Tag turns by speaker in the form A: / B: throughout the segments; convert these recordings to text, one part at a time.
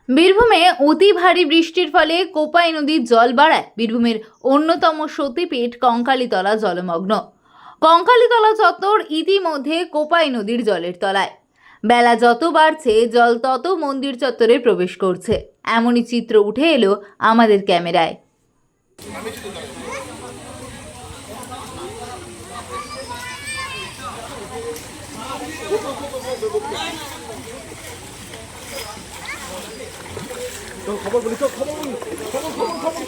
A: বীরভূমে অতি ভারী বৃষ্টির ফলে কোপাই নদীর জল বাড়ায়। বীরভূমের অন্যতম সতীপীঠ কঙ্কালীতলা জলমগ্ন। কঙ্কালীতলা চত্বর ইতিমধ্যে কোপাই নদীর জলের তলায়। বেলা যত বাড়ছে জল তত মন্দির চত্বরে প্রবেশ করছে। এমনই চিত্র উঠে এলো আমাদের ক্যামেরায়।
B: খবর বলি তো খবর বলি খবর খবর খবর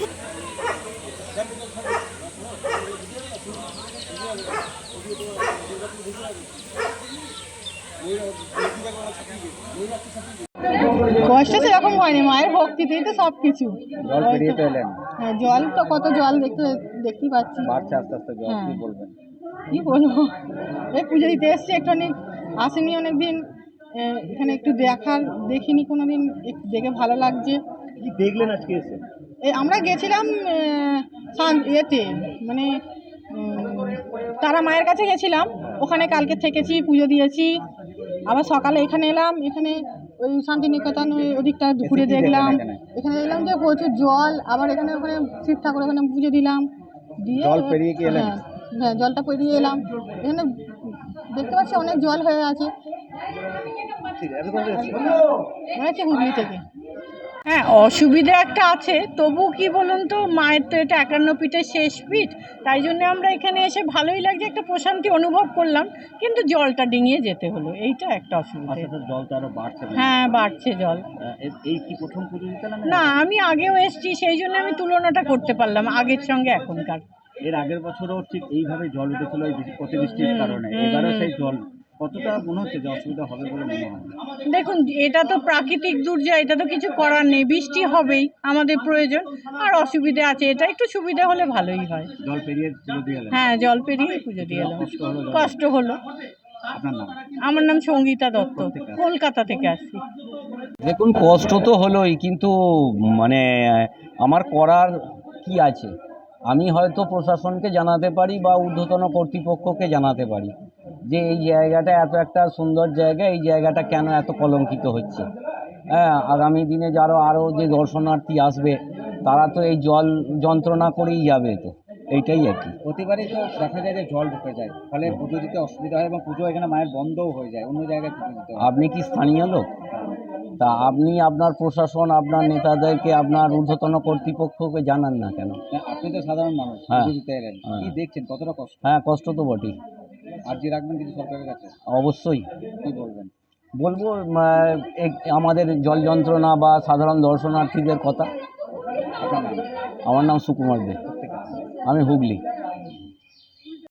C: কষ্ট সেরকম হয়নি, মায়ের ভক্তিতেই তো সব কিছু।
B: জল পেরিয়ে তো এলেন,
C: হ্যাঁ, জল তো কত জল দেখতেই পাচ্ছি,
B: বাড়ছে আস্তে আস্তে জল।
C: হ্যাঁ।
B: কি বলবেন?
C: কি বলবো, এই পুজো দিতে এসছি, একটুখানি আসেনি অনেকদিন, এখানে একটু দেখিনি কোনোদিন, একটু দেখে ভালো লাগছে।
B: কি দেখলেন আজকে এসে?
C: এই আমরা গেছিলাম ইয়েতে, মানে তারা মায়ের কাছে গেছিলাম, ওখানে কালকে থেকেছি, পুজো দিয়েছি, আবার সকালে এখানে এলাম। এখানে ওই শান্তিনিকেতন ওদিকটা ঘুরে দেখলাম। এখানে দেখলাম যে প্রচুর জল, আবার এখানে ওখানে শিব ঠাকুর ওখানে পুজো দিলাম, দিয়ে
B: জল পেরিয়ে কি এলেন?
C: হ্যাঁ, জলটা পেরিয়ে এলাম। এখানে দেখতে পাচ্ছি অনেক জল হয়ে আছে। মনে হচ্ছে হুগলি থেকে। হ্যাঁ, অসুবিধা একটা আছে, তবু কি বলুন তো, মায়ের তো এটা 51 পীঠের শেষ পীঠ, তাই জন্য আমরা এখানে এসে ভালোই লাগছে, একটা প্রশান্তি অনুভব করলাম, কিন্তু জলটা ডিঙিয়ে যেতে হলো, এইটা একটা অসুবিধা।
B: জল তো আরো বাড়ছে।
C: হ্যাঁ, বাড়ছে জল।
B: এই কি প্রথম পুজো দিতে
C: না, আমি আগেও এসেছি, সেই জন্য আমি তুলনাটা করতে পারলাম আগের সঙ্গে এখনকার।
B: এর আগের বছরও ঠিক এইভাবে জল উঠেছিল এই অতিবৃষ্টির কারণে, এবারে সেই জল কতটা মনে হচ্ছে যে অসুবিধা হবে বলে মনে হয়?
C: দেখুন, এটা তো প্রাকৃতিক দুর্যোগ, এটা তো কিছু করার নেই, বৃষ্টি হবেই, আমাদের প্রয়োজন। আর অসুবিধা আছে, এটা একটু সুবিধা হলে ভালোই হয়।
B: জল পেরিয়ে পুজো দিয়ে এলেন?
C: হ্যাঁ, জল পেরিয়ে পুজো দিয়ে এলাম। কষ্ট হলো।
B: আপনার নাম?
C: আমার নাম সঙ্গীতা দত্ত, কলকাতা থেকে আসছি।
D: দেখুন, কষ্ট তো হলোই, কিন্তু মানে আমার করার কি আছে? আমি হয়তো প্রশাসনকে জানাতে পারি বা ঊর্ধ্বতন কর্তৃপক্ষকে জানাতে পারি যে এই জায়গাটা এত একটা সুন্দর জায়গা, এই জায়গাটা কেন এত কলঙ্কিত হচ্ছে। হ্যাঁ, আগামী দিনে আরও যে দর্শনার্থী আসবে, তারা তো এই জল যন্ত্রণা করেই যাবে, তো এইটাই আর কি।
B: প্রতিবারই তো দেখা যায় যে জল ঢুকে যায়, ফলে পুজো দিতে অসুবিধা হয় এবং পুজো এখানে মায়ের বন্ধও হয়ে যায়, অন্য জায়গায় পুজো দিতে হয়।
D: আপনি কি স্থানীয় লোক? তা আপনি আপনার প্রশাসন, আপনার নেতাদেরকে, আপনার ঊর্ধ্বতন কর্তৃপক্ষকে জানান না কেন?
B: আপনি তো সাধারণ মানুষ,
D: হ্যাঁ।
B: পুজো দিতে এলেন,
D: হ্যাঁ।
B: কি দেখছেন, কতটা কষ্ট?
D: হ্যাঁ, কষ্ট তো বটেই।
B: আর্জি রাখবেন কিছু সরকারের কাছে?
D: অবশ্যই
B: কি বলবেন?
D: বলবো, আমাদের জল যন্ত্রণা বা সাধারণ দর্শনার্থীদের কথা।
B: আপনার নাম?
D: আমার নাম সুকুমার দে,
B: প্রত্যেক
D: আমি হুগলি।